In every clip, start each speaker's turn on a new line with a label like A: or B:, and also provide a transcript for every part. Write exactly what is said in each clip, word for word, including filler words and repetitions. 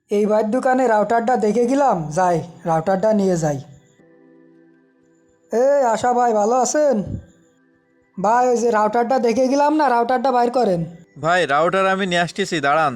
A: এই ভাইয়ের দোকানে রাউটারটা দেখে গেলাম, যাই রাউটারটা নিয়ে যাই। এই আশা ভাই, ভালো আছেন? ভাই ওই যে রাউটারটা দেখে গেলাম না, রাউটারটা বাইর করেন।
B: ভাই রাউটার আমি নিয়ে আসতেছি, দাঁড়ান।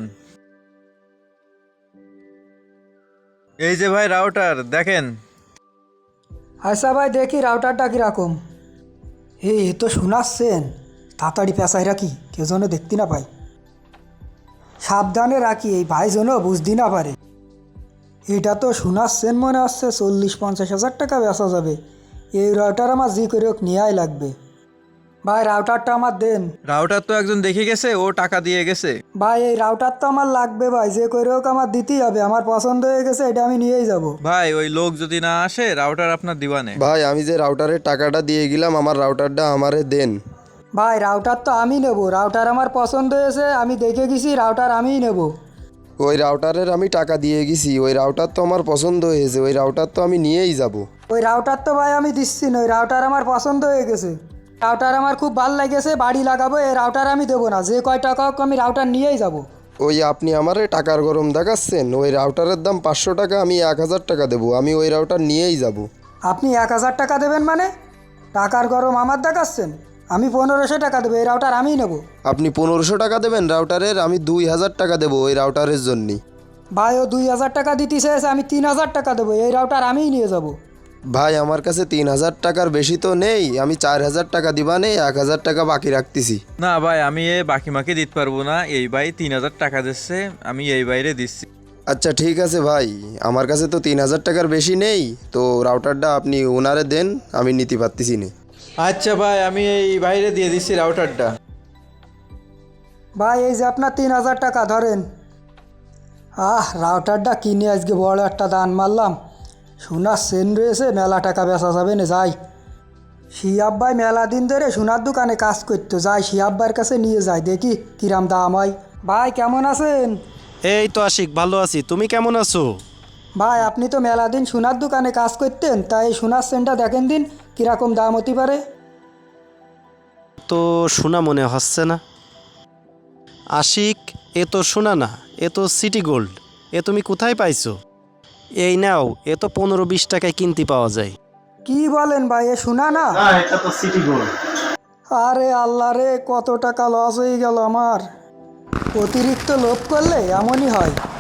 B: এই যে ভাই রাউটার দেখেন।
A: আচ্ছা ভাই, দেখি রাউটারটা কীরকম। এই এ তো শোনাচ্ছেন, তাড়াতাড়ি পেঁচাই রাখি, কেউ যেন দেখতে না পাই। সাবধানে রাখি, এই ভাই যেন বুঝতে না পারে। এটা তো শোনাচ্ছেন মনে হচ্ছে চল্লিশ পঞ্চাশ হাজার টাকা বেচা যাবে। এই রাউটার আমার জি করে হোক নেওয়াই লাগবে। ভাই রাউটারটা আমার দেন।
B: রাউটার তো একজন দেখে গেছে, ও টাকা দিয়ে গেছে।
A: ভাই এই রাউটার তো আমার লাগবে ভাই, যে করে হোক আমার দিতেই হবে, আমার পছন্দ হয়ে গেছে, এটা আমি নিয়েই যাব।
B: ভাই ওই লোক যদি না আসে রাউটার আপনার দিবানে।
C: ভাই আমি যে রাউটারের টাকাটা দিয়ে গেলাম, আমার রাউটারটা আমারে দেন।
A: ভাই রাউটার তো আমি নেব, রাউটার আমার পছন্দ হয়েছে, আমি দেখে গেছি, রাউটার আমিই নেব।
C: ওই রাউটারের আমি টাকা দিয়ে গেছি, ওই রাউটার তো আমার পছন্দ হয়েছে, ওই রাউটার তো আমি নিয়েই যাব।
A: ওই রাউটার তো ভাই আমি দিচ্ছি না, ওই রাউটার আমার পছন্দ হয়ে গেছে, রাউটার আমার খুব ভালো লেগেছে, বাড়ি লাগাবো, এই রাউটার আমি দেবো না, যে কয় টাকা হোক আমি রাউটার নিয়েই যাব।
C: ওই আপনি আমারে টাকার গরম দেখাচ্ছেন, ওই রাউটারের দাম পাঁচশো টাকা, আমি এক হাজার টাকা দেবো, আমি ওই রাউটার নিয়েই যাব।
A: আপনি এক হাজার টাকা দেবেন মানে? টাকার গরম আমার দেখাচ্ছেন? আমি পনেরোশো টাকা দেবো, এই রাউটার আমিই নেব।
C: আপনি পনেরোশো টাকা দেবেন রাউটারের, আমি দুই হাজার টাকা দেবো ওই রাউটারের জন্যই।
A: ভাই ও দুই হাজার টাকা দিতে চেয়েছে, আমি তিন হাজার টাকা দেবো, এই রাউটার আমিই নিয়ে যাব।
C: ভাই আমার কাছে তিন হাজার টাকার বেশি তো নেই, আমি চার হাজার টাকা দিবা নেই, এক হাজার টাকা বাকি রাখতেছি।
B: না ভাই, আমি এ বাকি মাকে দিতে পারবো না। এই ভাই তিন হাজার টাকা দিচ্ছে, আমি এই বাইরে দিচ্ছি।
C: আচ্ছা ঠিক আছে ভাই, আমার কাছে তো তিন হাজার টাকার বেশি নেই, তো রাউটারটা আপনি ওনারে দেন, আমি নিতে পারতেছি না।
B: আচ্ছা ভাই, আমি এই বাইরে দিয়ে দিচ্ছি রাউটারটা।
A: ভাই এই যে আপনার তিন হাজার টাকা ধরেন। আহ রাউটারটা কিনে আজকে বড় একটা দান মারলাম। সোনার সেন রয়েছে, মেলা টাকা বেচা যাবে না, যাই। শিয়াব ভাই মেলা দিন ধরে সোনার দোকানে কাজ করতো, যাই শিয়াব ভাইয়ের কাছে নিয়ে যাই, দেখি কিরাম দাম হয়। ভাই কেমন আছেন?
D: এই তো আশিক, ভালো আছি। তুমি কেমন আছো?
A: ভাই আপনি তো মেলা দিন সোনার দোকানে কাজ করতেন, তাই সোনার সেনটা দেখেন দিন কীরকম দাম হতে পারে।
D: তো শোনা মনে হচ্ছে না আশিক, এ তো শোনা না, এ তো সিটি গোল্ড। এ তুমি কোথায় পাইছো? এই নাও, এ তো পনেরো বিশ টাকায় কিনতে পাওয়া যায়।
A: কি বলেন ভাই, এ সোনা না?
D: না, এটা তো সিটি গোল্ড।
A: আরে আল্লাহ রে, কত টাকা লস হয়ে গেল আমার। অতিরিক্ত লোভ করলে এমনই হয়।